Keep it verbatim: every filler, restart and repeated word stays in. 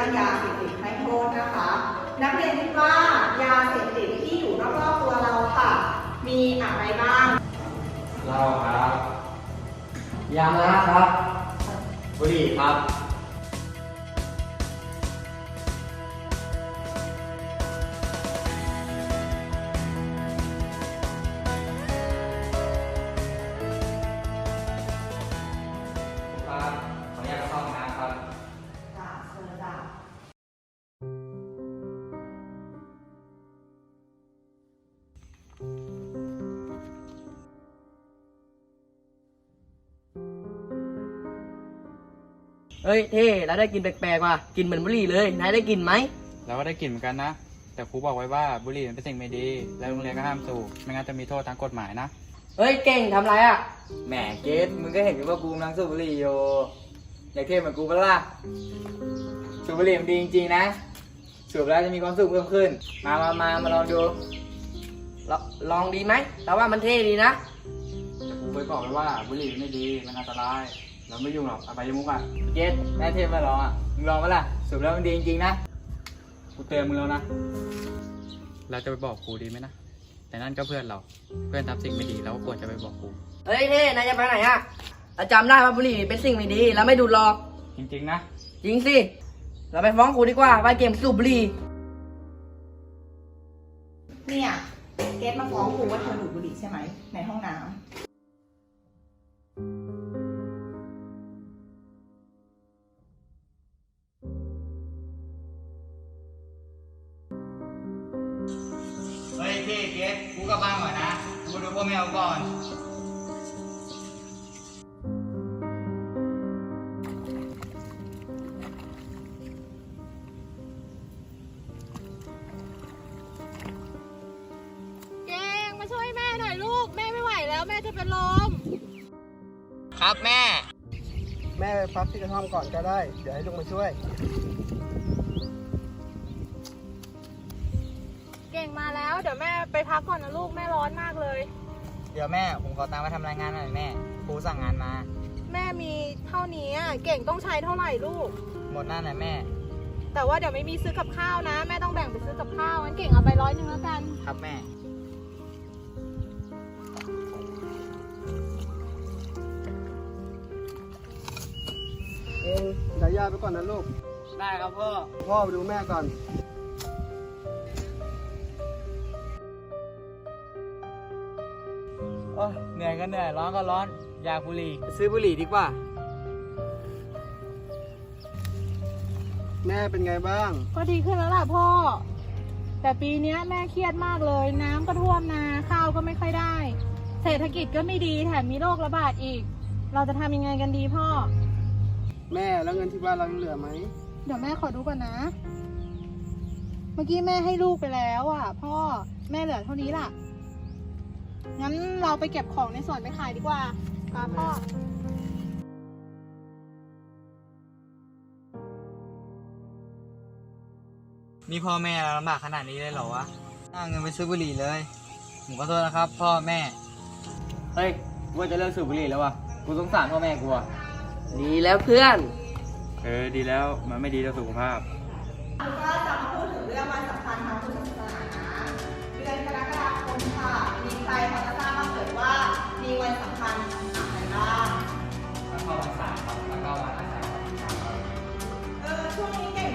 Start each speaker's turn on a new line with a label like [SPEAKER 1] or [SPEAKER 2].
[SPEAKER 1] ายาเสพติดให้โทษนะคะนักเรียนคิดว่ายาเสพติดที่อยู่รอบๆตัวเราค่ะมีอะไรบ้าง
[SPEAKER 2] เหล้าครับยานะครับบุหรี่ครับครับขออนุญาตเข้าห้องน้ำครับ
[SPEAKER 1] จ้าเชิญจ้า
[SPEAKER 3] เฮ้ยเท่แล้วได้กินแปลกๆว่ะกินเหมือนบุหรี่เลยนายได้กินไหม
[SPEAKER 2] เราก็ได้กลิ่นเหมือนกันนะแต่ครูบอกไว้ว่าบุหรี่มันเป็นสิ่งไม่ดีและโรงเรียนก็ห้ามสูบไม่งั้นจะมีโทษทางกฎหมายนะ
[SPEAKER 3] เฮ้ยเก่งทำไรอ่ะ
[SPEAKER 4] แหมเกดมึงก็เห็นอยู่ว่ากูกำลังสูบบุหรี่อยู่อยากเท่เหมือนกูปะล่ะสูบบุหรี่มันดีจริงๆนะสูบแล้วจะมีความสุขเพิ่มขึ้นมามามามาลองดู
[SPEAKER 3] ลลองดีไหมแต่ว่ามันเท่ดีนะ
[SPEAKER 2] ครูไปบอกไว้ว่าบุหรี่ไม่ดีมันอันตรายเราไม่ยุ่งหรอกอบายมุกอ่ะ
[SPEAKER 4] เกดแม่เทพมาลองอ่ะมึงลองปะล่ะสูบแล้วมันดีจริงๆนะ
[SPEAKER 2] กูเตือนมึงแล้วนะเราจะไปบอกครูดีไหมนะแต่นั่นก็เพื่อนเราเพื่อนทำสิ่งไม่ดีเราก็ควรจะไปบอกครู
[SPEAKER 3] เฮ้ยเท่นายจะไปไหนอ่ะเราจำได้ว่าบุหรี่เป็นสิ่งไม่ดีแล้วไม่ดูดหรอก
[SPEAKER 2] จริงๆนะ
[SPEAKER 3] จริงสิเราไปฟ้องครูดีกว่าว่าเกมสูบบุหรี่
[SPEAKER 1] เนี่ยเกดมาฟ้องครูว่าเธอดูดบุหรี่ใช่ไหมในห้องน้ำ
[SPEAKER 4] เฮ้ยพี่เกดกูกลับบ้านก่อนนะกูดูพ่อแมวก่อน
[SPEAKER 5] ช่วยแม่หน่อยลูกแม่ไม่ไหวแล้วแม่จะเป็นลม
[SPEAKER 4] ครับแม่
[SPEAKER 6] แม่ไปพักที่กระท่อมก่อนก็ได้เดี๋ยวให้ลุงมาช่วย
[SPEAKER 5] เก่งมาแล้วเดี๋ยวแม่ไปพักก่อนนะลูกแม่ร้อนมากเลย
[SPEAKER 4] เดี๋ยวแม่ผมขอตามมาทำรายงานหน่อยแม่ครูสั่งงานมา
[SPEAKER 5] แม่มีเท่านี้เก่งต้องใช้เท่าไหร่ลูก
[SPEAKER 4] หมดหน้าหน่อยแม่
[SPEAKER 5] แต่ว่าเดี๋ยวไม่มีซื้อกับข้าวนะแม่ต้องแบ่งไปซื้อกับข้าวงั้นเก่งเอาไปร้อยหนึ่งแล้วกัน
[SPEAKER 4] ครับแม่
[SPEAKER 6] เองเดี๋ยวย่าไปก่อนนะลูก
[SPEAKER 4] ได้ครับพ่อ
[SPEAKER 6] พ่อไปดูแม่ก่อน
[SPEAKER 4] โอ้เหนื่อยก็เหนื่อยร้อนก็ร้อนอยากบุหรี่ไปซื้อบุหรี่ดีกว่า
[SPEAKER 6] แม่เป็นไงบ้าง
[SPEAKER 5] ก็ดีขึ้นแล้วล่ะพ่อแต่ปีนี้แม่เครียดมากเลยน้ำก็ท่วมนาข้าวก็ไม่ค่อยได้เศรษฐกิจก็ไม่ดีแถมมีโรคระบาดอีกเราจะทำยังไงกันดีพ่อ
[SPEAKER 6] แม่แล้วเงินที่บ้านเราเหลือไหม
[SPEAKER 5] เดี๋ยวแม่ขอดูก่อนนะเมื่อกี้แม่ให้ลูกไปแล้วอ่ะพ่อแม่เหลือเท่านี้ล่ะงั้นเราไปเก็บของในสวนไปขายดีกว่าค่ะพ่อ
[SPEAKER 4] นี่พ่อแม่เราลำบากขนาดนี้เลยเหรอวะน่าเงินไปซื้อบุหรี่เลยผมขอโทษนะครับพ่อแม่เฮ้ยกูว่าจะเลิกสูบบุหรี่แล้ววะกูสงสารพ่อแม่กูอะ
[SPEAKER 3] ดีแล้วเพื่อน
[SPEAKER 2] เออดีแล้วมันไม่ดีต่อสุขภาพ
[SPEAKER 1] ก็จะมาพูดถึงเรื่องวันสำคัญทางพุทธศาสนาเดือนกรกฎาคมค่ะมีใครพอจะทราบบ้างเอ่ยว่ามีวันสำคัญอะไรบ้าง
[SPEAKER 4] วันเข้าพรรษาครับวันเข้าวันอาสาฬหะครับ
[SPEAKER 1] เออช่วงนี้เก่ง